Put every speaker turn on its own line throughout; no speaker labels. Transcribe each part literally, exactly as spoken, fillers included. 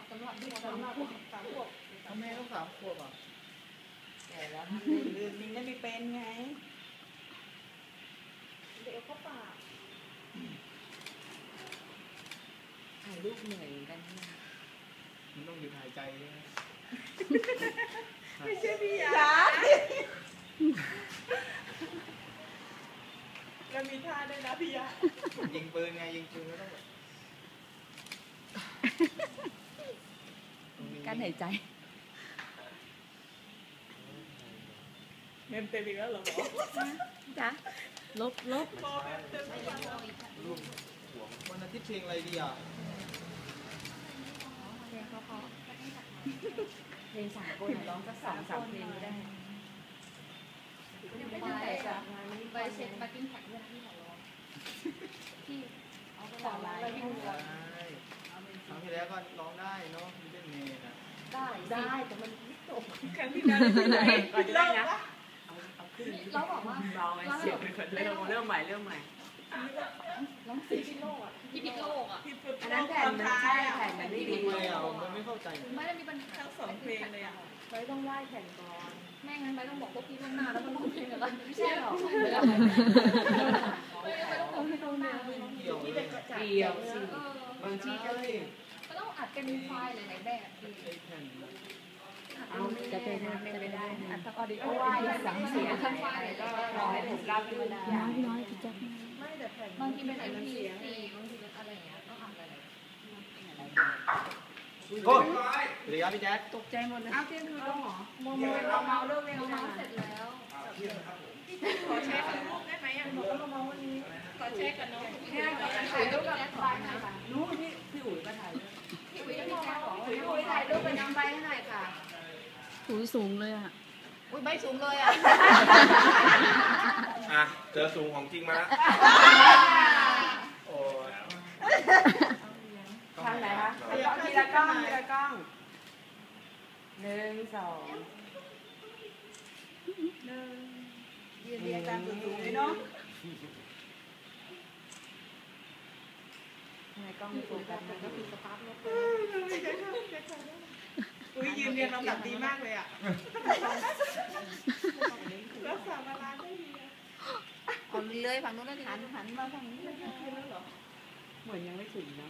สำหรับเด็กสำหรับสามขวบ
แม่ต้องสามขวบอ่ะ
แก่แล้วท่านไม่ลืมนิ่งได้ไม่เป็นไงเด็กเข้าปากถ่ายรูปเหนื่อยกันนะ
มันต้องหยุดหายใจใช่ไหม
ไม่ใช่พี่ยาแล้วมีท่าด้วยนะพี่ยา
ยิงปืนไงยิงปืนก็ต้อง
การหายใจ
เมมเต็มอีกแล้วเหรอ
จ๊ะลบลบ
รูปวันอาทิตย์เพลงอะไรดีอ่ะ
เพลงเขาเขาเพลงสามคนร้องสักสองสามเพลงก็ได้ไม่ได้แต่จากงานนี้ไปเช็คมากิ้งแท็กเรื่องที่ของเราที่เอาไปร้องอะไรที่ดูก่อน
ครั้งที่แล้วก็ร้องได้เนาะมีเล่นเมย์นะ
ได้ได้แต่มันไม่จบ
ครั้งที่แล้วที่ไหนก่อนจะได้นะ
เราบอกว่า
เราเสียงเป็นเริ่มเริ่มใหม่เริ่มใหม่
ร้องพี่พิโลกอ่ะพี่พิโลกอ่ะ
อันนั้นแผ่นมันใช่แผ่นมันไม่ดี
เลยอ่ะมันไม่เข้าใจ
ไม่ได้มีปัญหา
ทั้งสองเพลงเลยอ่ะ
ไปต้องไหว้แผ่นก่อนแม่งั้นไปต้องบอกพวกพี่ล่วงหน้าแล้วมันร้องเพลงอะไรไม่ใช่หรอไม่ได้ไม่ต้องบอกให้ล่วงหน้า
เกี่ยวเลย
เกี่ยวสิบางทีก็เลย
ก็ต้องอัดเป็นไฟล์หลายๆแบบ
เอาจะเป็นจะไม่ได้
อัดทั้งออดิโอ
ไหว้สังเสียทั้งไฟล์ก็รอให้ถูกรับไม่ได้
น้อยน้อยพี่แจ๊ค
ไม่แต่แผ่น
บางทีเป็นไอพีซีบางทีเป็นอะไรอย่างเงี้ยต้องอัดอะไร
โอ้ยเดี๋ยวพี่แจ๊ค
ตกใจหมดเลยอ้าวเที่ยงคืนแล้วหรอโมโมเราเมาเลิกเร็ว
เมาเสร็จแล้ว
ขอเช็คกับลูกได้ไหมอ่ะหนูก็มาวันนี้ขอเช็คกับน้องเนี่ยถ่ายรูปกับน้องไปค่ะนู้นพี่พี่อุ๋ยมาถ่าย
พี่อุ๋ยพี่แจ๊คบอก
พี่อุ๋ยถ่ายรูปกับน้องไปให้หน่อยค่ะ
อุ๋ยสูงเลยอ่ะ
อุ้ยไม่สูงเลยอ่ะ
อ่ะเจอสูงของจริงมาแล้วโอ้
ทางไหนคะทีละกล้องทีละกล้องหนึ่งสองหนึ่งยืนเรียงตามสูงๆเลยเนาะในกล้องโฟกัสมันก็คือสตาร์ทรถอุ้ยยืนเรียงลำดับดีมากเลยอ่ะรักษามาลานได้ดีอ่ะ
เอาเลยฝั่งนู้นแล้วหันหันมาฝั่งนี้เลย
เหมือนยังไม่ถึงนะ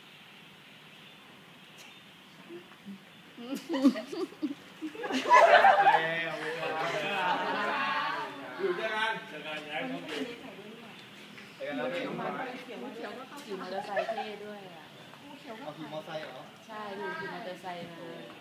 อยู่ด้วยกันเจอกันย้ายเข้าไปเจอกันแล้วพี่
ขี่มอเตอร์ไซค์เท่ด้วยอ่ะ
เอาขี่มอเตอร์ไซค์เหรอ
ใช่ดูขี่มอเตอร์ไซค์มา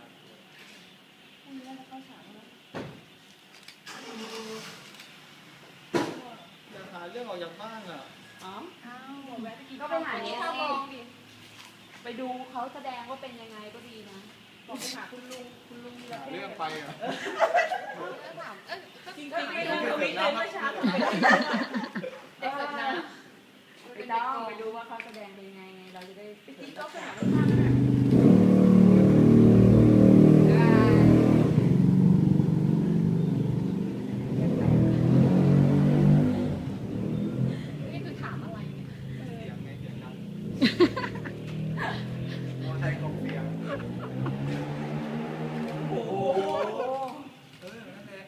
อยากหาเรื่องออกจากบ้านอ่ะ
อ๋อก็ไปหาเนี่ยไปดูเขาแสดงว่าเป็นยังไงก็ดีนะบอกไปหาคุณลุงคุณลุง
เรื่องไปอ่ะ
ถามเออ
จริงๆไม่รู้ไม่เลยเมื่อเช้า
เด็กเกิดนะ
ไปต้องไปดูว่าเขาแสดงเป็นยังไงเราจะได้จริงๆก็ไปหาลูกค้า
นี่คือถามอะไรเนี่ย
เสียงไงเสียงดังมอเตอร์ไซค์ของเสียงโอ้โหเออนั่นแหละ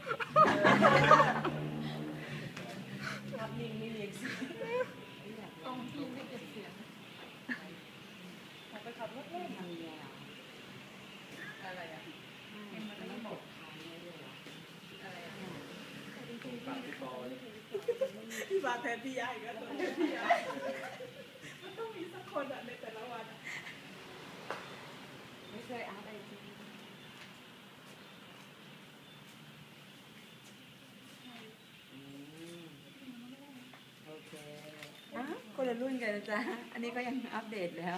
รับนิ่งไม่เรียกเสียง
ต้องที่ไม่เก็บเสียง
ไปขับรถเล่นทำยังไงอะไรอ่ะมันไม่บอกอะไรอ่ะพี่บาแทนพี่ยาอีกแล้วตัวพี่ยามันต้องมีสักคนอ่ะในแต่ละวันไม่เคยอาร์ตไอจีโอเคอ่ะคนละรุ่นกันนะจ๊ะอันนี้ก็ยังอัปเดตแล้ว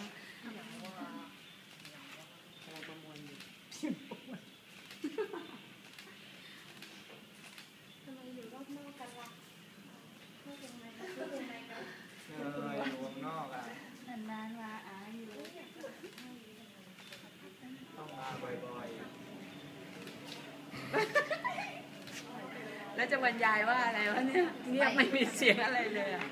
อะไรประมวลอยู่
ทำไมอยู่รอบนอกกันล่ะพูดยังไงกันพูดยังไงกัน
เอออยู่วงนอกอ่ะ
นานๆมาอาอยู่
ต้องมาบ่อย
ๆแล้วจะบรรยายว่าอะไรวะเนี่ยเงียบไม่มีเสียงอะไรเลยอ่ะ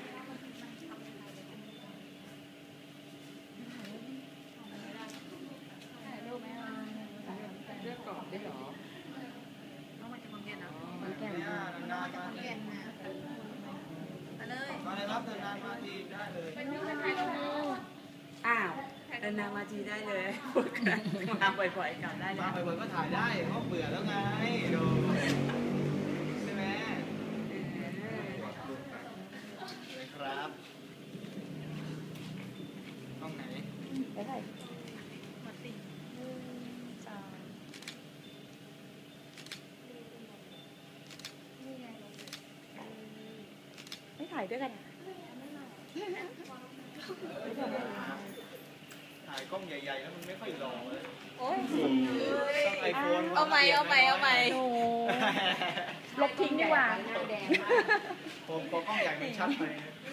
ได้เหรอ
น้องมาจากขอนแก่นนะ
มันแก่น
เนี่ย
มาก
นานๆมา
ขอนแก่นนะมาเลย
มาเลยครับนานๆมาทีได้เลย
เป็นพี่กันถ่ายรูป
อ้าวเดินทางมาทีได้เลยมาบ่อยๆกลับได้เล
มาย บ่อยๆก็ถ่ายได้เพราะเบื่อแล้วไงดูใช่ไหมเลยครับห้องไหน
ได้ไหม
มาติหนึ่งสองนี่ไง
ไม่ถ่ายด้วยกัน
ถ่ายกล้องใหญ่ๆแล้วมันไม่ค่อยหล่อเลย
โอ้ย
ต้องไอโฟน
เอาใหม่เอาใหม่เอาใหม่
โอ้ลบทิ้งดีกว่า
หน้าแดงมาก
ผมพอกล้องใหญ่มันชัดไป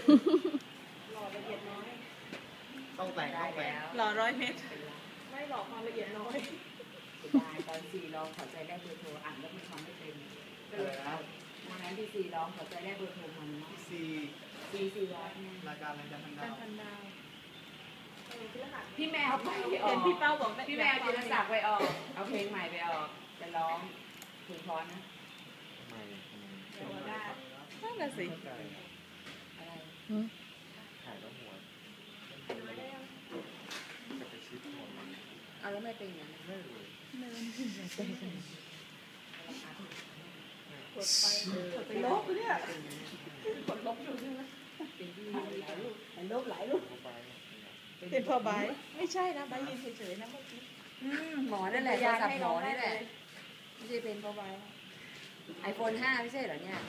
ต้องแต่งต้องแต่ง
หล่อร้อยเมตร
ไม่หลอกความละเอียดน้อยได้ตอนสี่ร้องขอใจแรกเบอร์โทรอ่านแล้วมันทำไม่เป็นก็เลยเอาวันนั้นที่สี่ร้องขอใจแรกเบอร์โทรมันเนาะ
ซี
สี่สี่ร้อยไง
รายการรายการทางดาว
พันดาว
พี่แมวไปอ
เห็
อน ก
พี่เป้าบอก
พี่แมวจิรศักดิ์ไปออกเอาเพลงใหม่ไปออกจะร้องเพลงพรนะ
เดี๋ยวได้นั่นน่ะสิ
อะไร
ถ่ายแล้วหัวจะไปชิดหัวมัน
เอาแล้วไม่เป็นอย่างนั้น
ไม่เลย
กดไปกดไปลบเนี่ยกดลบอยู่ใช่ไหม
เป็นที่หลายลูกหลายลูกหลายลูก
เข้าไป
เป็นพอใบไม่ใช่นะใบยืนเฉยๆนะเมื่อกี้
หมอนั่นแหละโทรศัพท์หมอนี่แหละไม่ใช่เป็นพอใบไอโฟนห้าไม่ใช่เหรอเนี่ย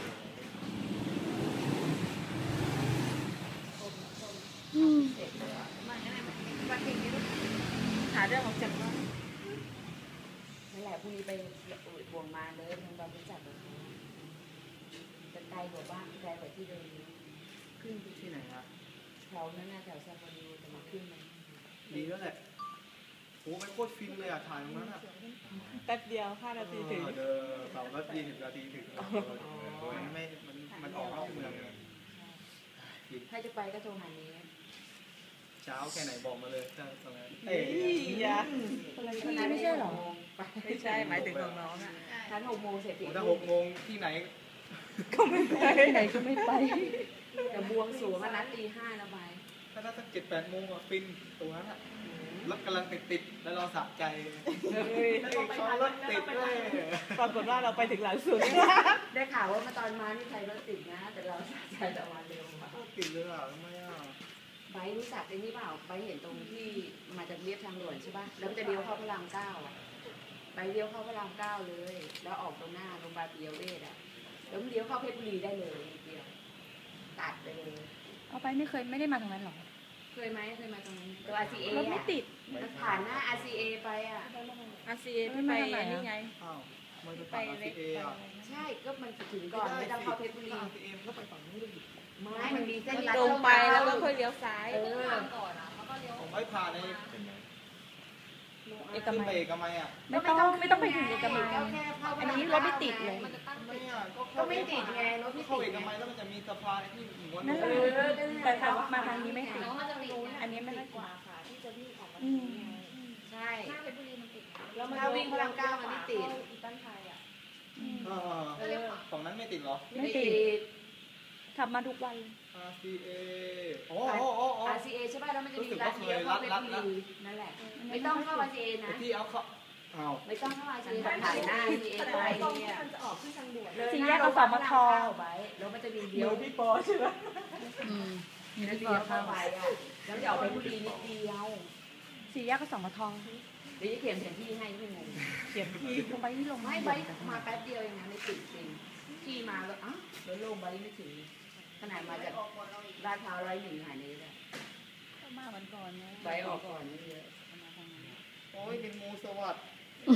เสร็จแล้ว
มาไงนะมาเพลงนี้หาเรื่องของจักรว่า
นั่นแหละพรุ่งนี้ไปบวงมาเลยทางบางพิจัดเลยจะไกลกว่าบ้านไกลกว่าที่เดิมขึ้นไป
ที่ไหนครับ
แถวนั้นน่ะแถวซาฟารีจะมาขึ้นมัน
ดีแล้วแหละโอ้ไม่โคตรฟินเลยอ่ะถ่ายตรงนั้นอ่ะ
แป๊บเดียวห้านาทีถึง
เออเดินเสาร์ก็ยี่สิบนาทีถึงมันไม่มันมันออกนอกเมืองเลย
ถ้าจะไปก็โทรหานี้
เช้าแค่ไหนบอกมาเลยถ้าตรงนั้น
เอ้ยอย่า
คนนั้นไม่ใช่หรอ
ไม่ใช่หมายถึงของน้องอ่ะ
ท่านหกโมงเสร็จ
โอ้ถ้าหกโมงที่ไหน
ก็ไม่ไป
ไหนก็ไม่ไปแต่บวงสรวงนัดตีห้านะใบ
ถ้าถ้าสักเจ็ดแปดโมงอ่ะฟินตรงนั้นอ่ะรถกำลังติดติดๆแล้วเราสะใจเขารถติดด้วย
ปรากฏว่าเราไปถึงหลังสุด
ได้ข่าวว่ามาตอนมานี่ใครรถติดนะ แต่เราสะใจแต่วันเร็วอะ
รถติดเลยอ่ะทำไมอ่ะ
ไบรู้จักไอ้นี่เปล่าไบเห็นตรงที่มาจากเรียบทางด่วนใช่ป่ะแล้วมันจะเลี้ยวเข้าพระรามเก้าอ่ะไบเลี้ยวเข้าพระรามเก้าเลย แล้วออกตรงหน้าโรงพยาบาลปิยเวชอ่ะแล้วมันเลี้ยวเข้าเพชรบุรีได้เลยนิดเดียวตัดไปเลย
เอาไปไม่เคยไม่ได้มาตรงนั้นหรอ
เคยไหมเคยมาตรงนั้นตัว อาร์ ซี เอ
รถไม่ติด
มันผ่านหน้า อาร์ ซี เอ ไปอ่ะ
อาซีเอที่ไปนี่ไง
อ้าวมันจะ
ไป
ไป
เล็ก
เอ
ไป
อ่ะ
ใช่ก็มันถึงก่อนไม่ต้องเข้าเพชรบุรี
เอ็มก็ไปฝั่งนู้นเลย
ไม่มันมีเส้นลัด
ตรงไปแล้วก็ค่อยเลี้ยวซ้าย
เออ
ผมไม่ผ่านใน
เห็นไหม
เอก
ขึ้น
มั
ไป
ย
เอกมัยอ่ะ
ไม่ต้องไม่ต้องไปถึงเอกมัย
ก็แค่เข้า
อันนี้รถไม่ติดเลย
ไม่อ่ะก็
ก็ไม่ติดไงรถไม่
เข้า
ติ
เอ
ด
ก
ไง
มัยแล้วมันจะมีสะพานที่ม้วน
นั่นแห
เอ
ละ
อ
แต่ทางมาทางนี้ไม่ติด อันนี้ไม่ค่อยติด อืม
ใช่
แล้วมัน
ถ้าวิ่งพระรามเก้ามันไม่ติด
อืม
เออฝั่งนั้นไม่ติดเหรอ
ไม่ติด ขับมาทุกวันเลย
อาร์ ซี เอ โอ้โอ้โอ้โอ้
อาร์ ซี เอ ใช่ป่ะแล้วมันจะมีร้านเดียวเข้าเพชรบุรีนั่นแหละ ไม่ต้องเข้า อาร์ ซี เอ นะ
ที่เอาเขาอ้าว
ไม่ต้องเข้า อาร์ ซี เอ แบบถ่ายหน้า อาร์ ซี เอ ไปเนี่ย
สี่แยกอสมท
ไว้แล้วมันจะมี
เดี๋
เดี
ย
ยว ว
พี่ปอใช่ไหม
อืม
แล้วเดียวเข้าไปอ่ะแล้วจะออกไปบุรีนิดเดียว
สี่แยกอสมท
เดี๋ยวจะเขียนแผนที่ให้ไม่งง
เขียนพี่
ลงไปที่ลง
ไม่ใบมาแป๊บเดียวเองนะไม่ติดจริงที่มาแล้วอ้าวรถโล่งใบไม่ถึงขนาดมาจากลาดพร้าวร้อยหนึ่งหายนี้เลย
มาวันก่อนนะ
ใบออกก่อนนี่เยอะ
โอ้ยเป็นงูสวัสดิ์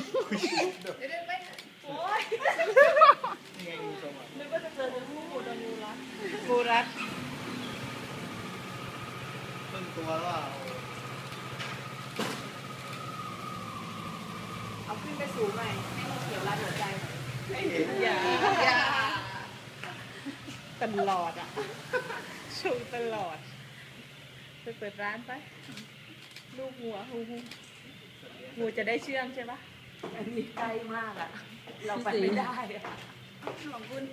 โอ้ย
นี่ไงงูสวัสดิ์
นึกว่าจะเจอในรูปโดนงูรัดงูรัด
ครึ่งตัวแล้วอ่ะ
เอาขึ้นไปสูงหน่อยให้มันเขียวรัดหัวใจหน่อย
ไม่เห็น
อย่าอย่าตลอดอ่ะชูตลอดไปเปิดร้านไปลูกหัวงูงูงูจะได้เชื่องใช่ปะ
อันนี้ใกล้มากอ่ะ เราไปไม่ได้อ่ะ
ของคุณ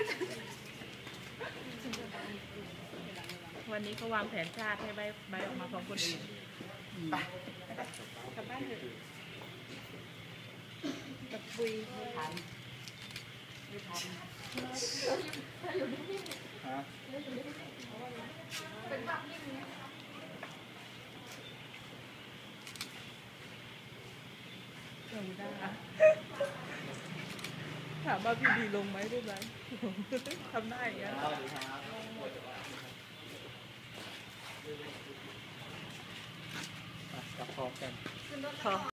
วันนี้เขาวางแผนชาติให้ใบใบออกมาของคนอื่น
ไป
กลับบ้านเถอะกับคุย
ไม่ทันไม่ทัน
ฮะ
ลงได้ถามว่าพี่ดีลงไหมได้ไหมทำได้อย่างเงี้ย
สวัสดีครับกลับพร้อมกัน
พอ